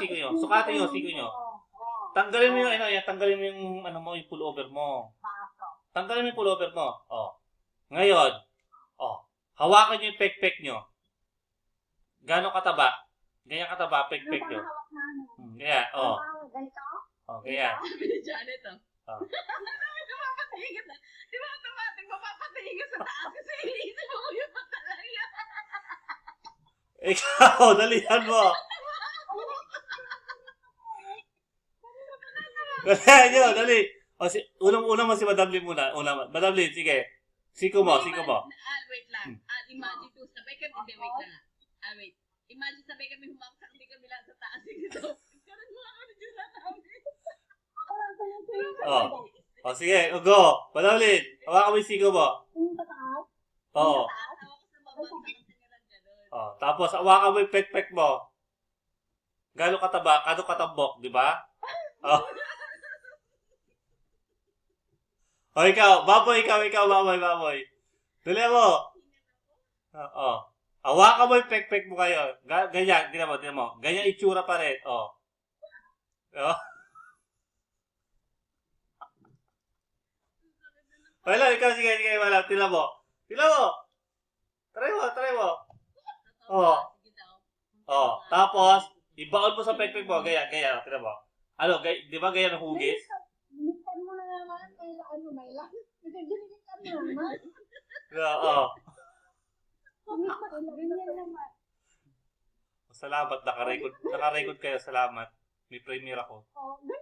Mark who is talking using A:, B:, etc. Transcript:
A: siko nyo. Sukatin nyo, siko nyo. Tanggalin mo yung, ano, yan, tanggalin mo yung, ano mo, yung pullover mo. Tanggalin mo yung pullover mo. Oh. Ngayon, oh, hawakan nyo yung pek-pek nyo. Gano'ng kataba? Ganyan kataba, pek-pek nyo. Kaya, oh. Oh, kaya.
B: Sabi ni Janet, oh.
A: Oh.
B: Mapapatingin na. Di ba automatic mapapatingin sa taas kasi iniisip mo yung talaga.
A: Ikaw, dalihan mo. Dalihan nyo, dali. O, unang-una mo si Madam Lynn muna. Madam Lynn, sige. Siko mo.
B: Wait lang. Imagine to, sabay kami, hindi, wait lang. Wait. Imagine sabay kami humaksak, hindi kami lang sa taas. Ito. Karoon mo ako na dyan sa taas.
A: Oh. O, sige, go. Madam Lynn, hawakan mo yung siko mo. Oo. Oh, tapos hawakan mo yung pek-pek mo. Gano'ng kataba, gano'ng katambok, di ba? Oh. O, ikaw, baboy. Dali mo. Oo. Hawakan mo yung pek-pek mo kayo. Ganyan, tingnan mo. Ganyan itsura pa rin. Oh. Oh. Wala, ikaw, sige, wala. Tingnan mo. Try mo. Oh. Oh. Tapos, ibaon mo sa pek-pek mo. Ganyan. Tingnan mo. Ano, di ba ganyan ang hugis?
C: Bilisan mo na naman. May lang. Bilisan mo naman.
A: Oo.
C: Ganyan naman.
A: Salamat, naka-record kayo. Salamat. May premiere ako.
C: Oh,